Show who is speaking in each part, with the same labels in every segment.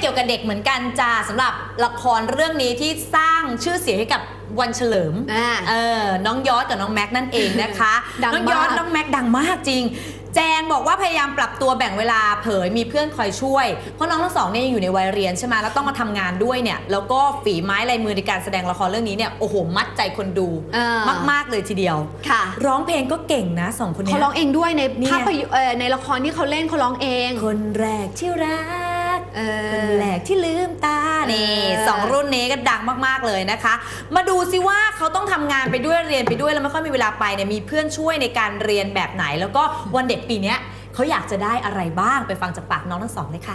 Speaker 1: กี่ยวกับเด็กเหมือนกันจ้าสำหรับละครเรื่องนี้ที่สร้างชื่อเสียงให้กับวันเฉลิมน้องยอดกับน้องแม็กนั่นเองนะคะ น้องยอดน้องแม็กดังมากจริงแจงบอกว่าพยายามปรับตัวแบ่งเวลาเผยมีเพื่อนคอยช่วยเพราะน้องทั้งสองเนี่ยยังอยู่ในวัยเรียนใช่ไหมแล้วต้องมาทำงานด้วยเนี่ยแล้วก็ฝีไม้ลายมือในการแสดงละครเรื่องนี้เนี่ยโอ้โหมัดใจคนดูมากๆเลยทีเดียว
Speaker 2: ค่ะ
Speaker 1: ร้องเพลงก็เก่งนะสองคนนี้
Speaker 2: เขาร้องเองด้วยในภาพยนตร์ในละครที่เขาเล่นเขาร้องเอง
Speaker 1: คนแรกที่รักคนแรกที่ลืมตานี่สองรุ่นนี้ก็ดังมากๆเลยนะคะมาดูซิว่าเขาต้องทำงานไปด้วยเรียนไปด้วยแล้วไม่ค่อยมีเวลาไปเนี่ยมีเพื่อนช่วยในการเรียนแบบไหนแล้วก็วันเด็กปีนี้เขาอยากจะได้อะไรบ้างไปฟังจากปากน้องทั้งสองเลยค่ะ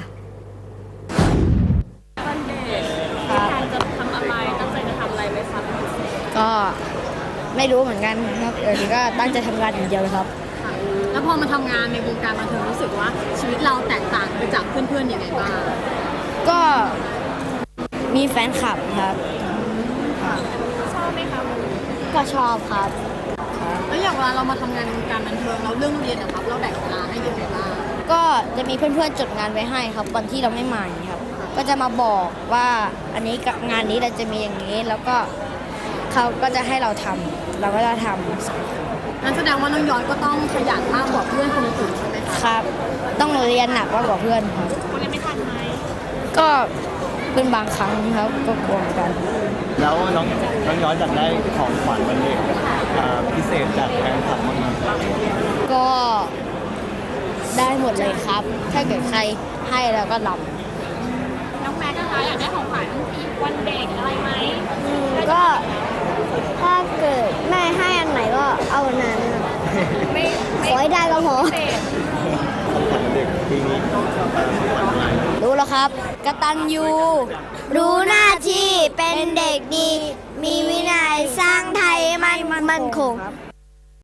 Speaker 3: วันเด็กการจะทำอะไรตั้งใจจะทำอะไรไหมคะ
Speaker 4: ก็ไม่รู้เหมือนกันครับก็ตั้งใจทำงานอย่างเดียวเลยครับ
Speaker 3: แล้วพอมาทำงานในวงการบันเทิงรู้สึกว่าชีวิตเราแตกต่างไปจากเพื่อนๆยังไงบ้าง
Speaker 4: ก็มีแฟนคลับครับ
Speaker 3: ชอบไหมคะ
Speaker 4: ก็ชอบครับ
Speaker 3: แล้วอย่างเวลาเรามาทำงานในวงการบันเทิงเราเรื่องเรียนนะครับเราแบ่งเวลาให้ยังไงบ้าง
Speaker 4: ก็จะมีเพื่อนๆจดงานไว้ให้ครับวันที่เราไม่มาครับก็จะมาบอกว่าอันนี้งานนี้เราจะมีอย่างนี้แล้วก็เขาก็จะให้เราทำเราก็จะทำ
Speaker 3: นั่นแสดงว่าน้องย้อนก็ต้องขยันมากกว่าเพื่อนคนอื่นใช่ไหมคะ
Speaker 4: ครับต้องเรียนหนักมากกว่าเพื่อนครับ
Speaker 3: วันนี้ไม่ทันไหม
Speaker 4: ก็เป็นบางครั้งครับก็กลัวกัน
Speaker 5: แล้วน้องย้อนอยากได้ของขวัญวันเด็กพิเศษจากแฟนคลับมากๆ
Speaker 4: ก็ได้หมดเลยครับถ้าเกิดใครให้แล้วก็รับ
Speaker 3: น้องแม็กนะคะอยากได้ของขวัญวันเด็กอะไรไหม
Speaker 4: ก็ถ้าเกิดแม่ให้อันไหนก็เอาอันนั้นขอให้ได้ก็พอรู้แล้วครับกตัญญูรู้หน้าที่เป็นเด็กดีมีวินัยสร้างไทยมั่นคง